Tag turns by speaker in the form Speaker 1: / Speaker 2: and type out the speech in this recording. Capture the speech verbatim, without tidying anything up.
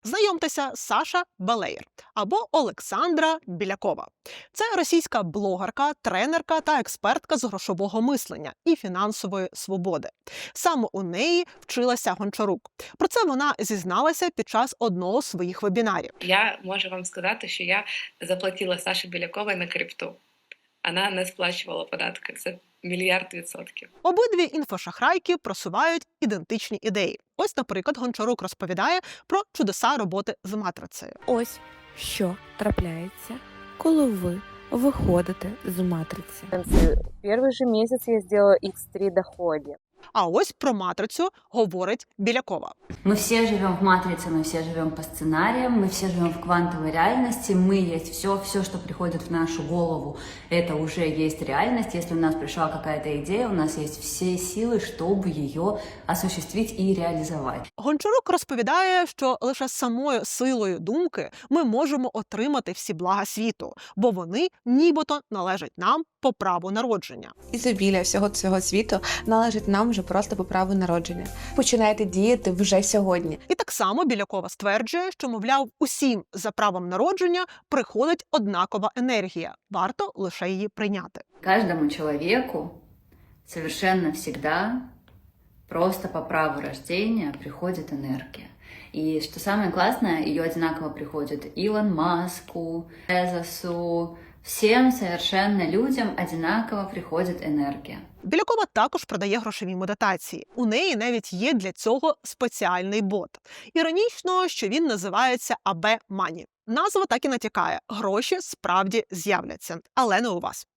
Speaker 1: Знайомтеся, Саша Балеєр або Олександра Білякова. Це російська блогерка, тренерка та експертка з грошового мислення і фінансової свободи. Саме у неї вчилася Гончарук. Про це вона зізналася під час одного з своїх вебінарів.
Speaker 2: Я можу вам сказати, що я заплатила Саші Біляковій на крипту. Вона не сплачувала податки. Це мільярд відсотків.
Speaker 1: Обидві інфошахрайки просувають ідентичні ідеї. Ось, наприклад, Гончарук розповідає про чудеса роботи з матрицею.
Speaker 3: Ось що трапляється, коли ви виходите з матриці.
Speaker 4: Первый же месяц я сделала ікс три доходе.
Speaker 1: А ось про матрицю говорить Білякова.
Speaker 5: Мы все живем в матрице, мы все живем по сценариям, мы все живем в квантовой реальности, мы есть все, все, что приходит в нашу голову, это уже есть реальность. Если у нас пришла какая-то идея, у нас есть все силы, чтобы ее осуществить и реализовать.
Speaker 1: Гончарук розповідає, що лише самою силою думки ми можемо отримати всі блага світу, бо вони нібито належать нам по праву народження.
Speaker 6: Ізобілля всього цього світу належить нам вже просто по праву народження. Починайте діяти вже сьогодні.
Speaker 1: І так само Білякова стверджує, що, мовляв, усім за правом народження приходить однакова енергія. Варто лише її прийняти.
Speaker 5: Каждому человеку совершенно всегда просто по праву рождения приходит энергия. И что самое классное, ее одинаково приходит Илон Маску, Безосу, всем совершенно людям одинаково приходит энергия.
Speaker 1: Білякова також продає грошові медитації. У неї навіть є для цього спеціальний бот. Іронічно, що він називається ей бі Money. Назва так і натякає – гроші справді з'являться, але не у вас.